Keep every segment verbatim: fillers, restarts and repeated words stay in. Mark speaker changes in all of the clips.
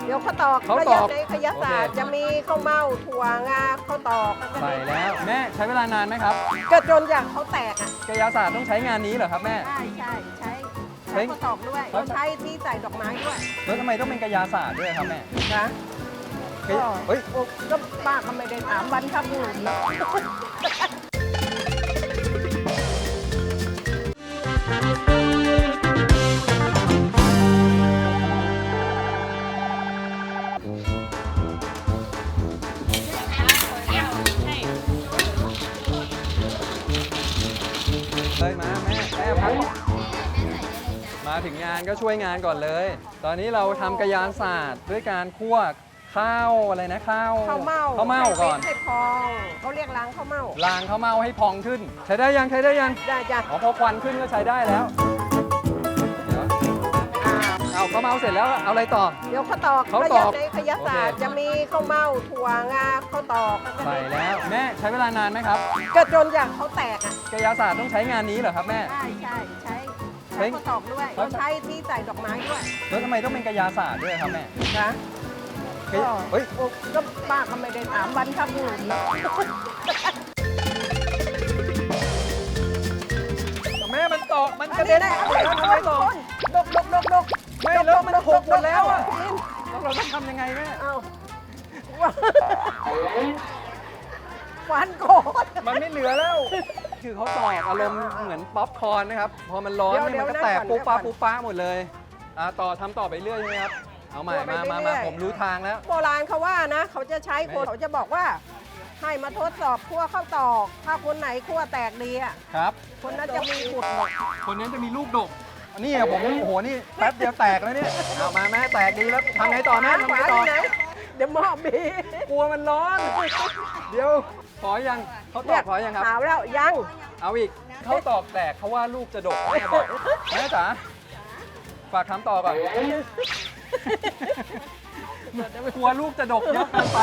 Speaker 1: เดี๋ยวข้าวตอก
Speaker 2: ข้าวตอก
Speaker 1: ในขยศาสตร์จะมีข้าวเม่าถั่วงาข้าวตอก
Speaker 2: ใส่แล้วแม่ใช้เวลานานไหมครับ
Speaker 1: ก็จนอย่างเขาแตกอ่ะ
Speaker 2: กายศาสตร์ต้องใช้งานนี้เหรอครับแม่
Speaker 1: ใช่ใช่ใช้
Speaker 2: ใช้
Speaker 1: ใช้ข้าวตอกด้วยเราใช้ที่ใส่ดอกไม้ด้วย
Speaker 2: แล้วทำไมต้องเป็นกายศาสตร์ด้วยครับแม่
Speaker 1: นะ
Speaker 2: เฮ้ย
Speaker 1: ก็
Speaker 2: เฮ้ย
Speaker 1: โอ้ก็ป้าก็ไม่ได้ถามบรรพบุรุษนะ
Speaker 2: เลยมาแม่แม่พักมาถึงงานก็ช่วยงานก่อนเลย ตอนนี้เราทำกายศาสตร์ด้วยการคั่วข้าวอะไรนะข้าว
Speaker 1: ข้าวเม่า
Speaker 2: ข้าวเม่าก่อน
Speaker 1: ให้พองเขาเรียกล้างข้าวเม่า
Speaker 2: ล้างข้าวเม่าให้พองขึ้น ใช้ได้ยังใช้ได้ยัง
Speaker 1: ได้จ้ะ
Speaker 2: อ๋อพอควันขึ้นก็ใช้ได้แล้วเดี๋ยว
Speaker 1: อ่า
Speaker 2: เอาข้าวเม่าเสร็จแล้วเอาอะไรต่อ
Speaker 1: เดี๋ยวข้าวตอก
Speaker 2: ข้าวตอก
Speaker 1: ในขยศาสตร์
Speaker 2: โอเค
Speaker 1: จะมีข้าวเม่าถั่วงาข้าวตอก
Speaker 2: ใส่แล้วแม่ใช้เวลานานไหมครับ
Speaker 1: ก็จนอย่างเขาแตกอ่ะ
Speaker 2: กายศาสตร์ต้องใช้งานนี้เหรอครับแม่
Speaker 1: ใช่ใช่ใช้
Speaker 2: ใช้
Speaker 1: ใช้ข้าวตอกด้วยเราใช้ที่ใส่ดอกไม้ด้วย
Speaker 2: แล้วทำไมต้องเป็นกายศาสตร์ด้วยครับแม่
Speaker 1: นะ
Speaker 2: เฮ้ย
Speaker 1: ก็
Speaker 2: เฮ้ย
Speaker 1: โอ้ก็ป้าก็ไม่ได้ถามบรรพบุรุษนะ
Speaker 2: แม่มันตกมันก
Speaker 1: อั
Speaker 2: ระ
Speaker 1: น
Speaker 2: เด็
Speaker 1: นี้
Speaker 2: น
Speaker 1: ได้
Speaker 2: แล้วทำไมตก
Speaker 1: ดกดกดกดก
Speaker 2: ไม่แล้วมันหกหมดแล้วอะแล้วเราต้องทำยังไงแม่
Speaker 1: เอาฟันโกด
Speaker 2: มันไม่เหลือแล้ว คือเขาตอกอารมณ์เหมือนป๊อปคอร์นนะครับ พอมันร้อนเนี่ยมันก็แตกปุ๊บป้าปุ๊บป้าหมดเลยอ่าต่อทำต่อไปเรื่อยใช่ไหมครับ เอาใหม่มามามาผมรู้ทางแล้ว
Speaker 1: โบราณเขาว่านะ เขาจะใช้คนเขาจะบอกว่า ให้มาทดสอบคั่วข้าวตอก ถ้าคนไหนคั่วแตกดีอ่ะ
Speaker 2: ครับ
Speaker 1: คนนั้นจะมีบุตรหมด
Speaker 2: คนนั้นจะมีลูกดกอันนี้อะผมโอ้โหนี่แป๊บเดียวแตกแล้วเนี่ยเอามาแม่แตกดีแล้วทำไงต่อแม่ทำไงต่อ
Speaker 1: หายู่หนเดี๋ยวหมอบบี
Speaker 2: กลัวมันร้อน เดี๋ยวขอยังเขาตอกขอยังครับ
Speaker 1: หาวแล้วยัง
Speaker 2: เอาอีกเขาตอกแตกเขาว่าลูกจะดกแม่บอกแม่จ๋าฝากคำต่อก่อนกลัวลูกจะดกเยอะเกินไป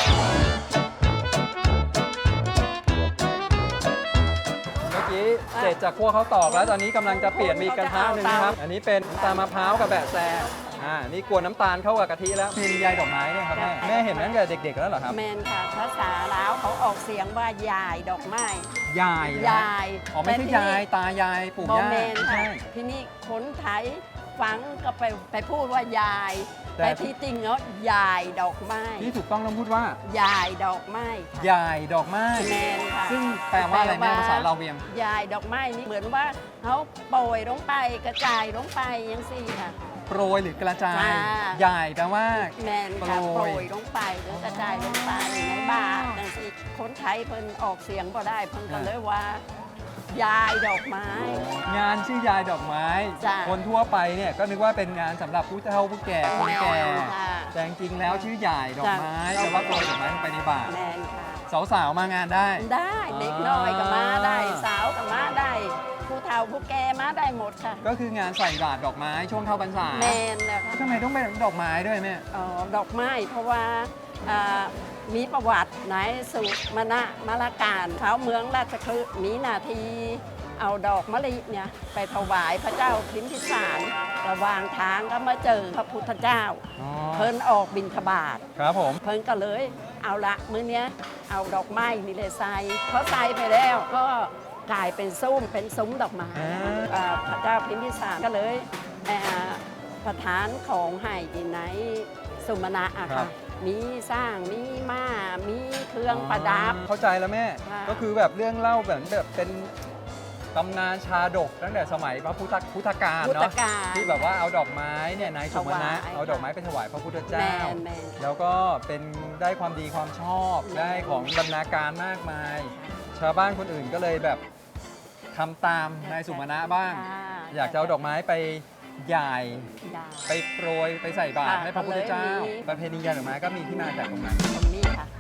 Speaker 2: เมื่อกี้เสร็จจากคั่วเขาวตอกแล้วตอนนี้กำลังจะเปลี่ยนมีกระทะหนึ่งนะครับ อันนี้เป็นน้ำตาลมะพร้าวกับแบะแซอ่านี่กวนน้ำตาลเข้ากับกะทิแล้วเพลงยายดอกไม้เนี่ยครับแม่แม่เห็นตั้งแต่เด็กๆแล้วเหรอครับ
Speaker 3: แมนค่ะภาษาลาวเขาออกเสียงว่ายายดอกไม้
Speaker 2: ยายนะ
Speaker 3: ยาย
Speaker 2: อ๋อไม่ใช่
Speaker 3: แต่ที่
Speaker 2: ยายตายายปู่
Speaker 3: บอย่
Speaker 2: า
Speaker 3: แมน
Speaker 2: ไม่
Speaker 3: ค่ะ
Speaker 2: ใช่
Speaker 3: ที่นี่คนไทยฟังก็ไปไปพูดว่ายาย
Speaker 2: แต่
Speaker 3: แต่ที่จริงแล้วยายดอกไม้
Speaker 2: ที่ถูกต้องต้องพูดว่าย
Speaker 3: ายดอกไม้ค่ะ
Speaker 2: ยายดอกไม้
Speaker 3: แมนค่ะ
Speaker 2: ซึ่งแปลว่าอะไรแม่ภาษาเราวเวียง
Speaker 3: ยายดอกไม้นี่เหมือนว่าเขาโปรยลงไปกระจายลงไปยังสี่ค่ะ
Speaker 2: โปรยหรือกระจาย
Speaker 3: จ้า
Speaker 2: ใหญ่แปลว่า
Speaker 3: แมนค่ะ
Speaker 2: โปรย
Speaker 3: โปรยลงไปหรือกระจายลงไปในบาทนั่นสิคนไทยเพิ่นออกเสียงบ่ได้เพิ่นก็เลยว่า ยายดอกไม้
Speaker 2: งานชื่อยายดอกไม้
Speaker 3: จ้ะ
Speaker 2: คนทั่วไปเนี่ยก็นึกว่าเป็นงานสำหรับผู้เฒ่าผู้แก่คนแก่
Speaker 3: แม่นค่ะ
Speaker 2: แต่จริงๆแล้วชื่อยายดอกไม้
Speaker 3: จ้ะ
Speaker 2: แต่ว่าโปรยดอกไม้ลงไปในบาตร
Speaker 3: แมนค่ะ
Speaker 2: สาวๆมางานได้
Speaker 3: ได้เด็กน้อยก็มาได้สาวก็มาได้ ผู้เฒ่าผู้แก่มาได้หมดค่ะ
Speaker 2: ก็คืองานใส่บาตรดอกไม้ช่วงเข้าพรรษา
Speaker 3: แมนนะคะ
Speaker 2: ทำไมต้องเป็นดอกไม้ด้วยแม่
Speaker 3: อ๋อดอกไม้เพราะว่าอ่ามีประวัติในสุมาณะมะละการเขาเมืองราชคฤห์มีหนาทีเอาดอกมะลิเนี่ยไปถวายพระเจ้าพิมพิสารระหว่างทางก็มาเจอพระพุทธเจ้า
Speaker 2: อ๋อ
Speaker 3: เพิ่นออกบิณฑบาต
Speaker 2: ครับผม
Speaker 3: เพิ่นก็เลยเอาละมื้อเนี้ยเอาดอกไม้นี่เลยใส่เพราะใส่ไปแล้วก็กลายเป็นซุ้มเป็นซุ้มดอกไม้
Speaker 2: อ่า
Speaker 3: อ่าพระเจ้าพิมพิสารก็เลยอ่าประทานของให้ที่ไหนสุมาณะอะค่ะมีสร้างมีม้ามีเครื่องประดับ
Speaker 2: เข้าใจแล้วแม่
Speaker 3: ค่ะ
Speaker 2: ก็คือแบบเรื่องเล่าแบบแบบเป็นตำนานชาดกตั้งแต่สมัยพระพุทธพุทธกาล
Speaker 3: พุทธ
Speaker 2: เนาะ
Speaker 3: กาล
Speaker 2: ที่แบบว่าเอาดอกไม้เนี่ยนายสุมาณะ
Speaker 3: ถวาย
Speaker 2: เอาดอกไม้ไปถวายพระพุทธ
Speaker 3: แม
Speaker 2: เจ้า
Speaker 3: นแมน
Speaker 2: แล้วก็เป็นได้ความดีความชอบ
Speaker 3: แม่
Speaker 2: ได้ของบรรณาการมากมาย ชาวบ้านคนอื่นก็เลยแบบทำตามนายสุมาณะบ้าง
Speaker 3: ค่ะ
Speaker 2: อยากจะเอาดอกไม้ไปหย่าย
Speaker 3: ได้
Speaker 2: ไปโปรยไปใส่บาตร
Speaker 3: ค่ะ
Speaker 2: ให้พระพุทธเจ้า
Speaker 3: ก็เลยมี
Speaker 2: ประเพณียายดอกไม้ก็มีที่มาจากตรงนั้น
Speaker 3: ตรงนี้ค่ะ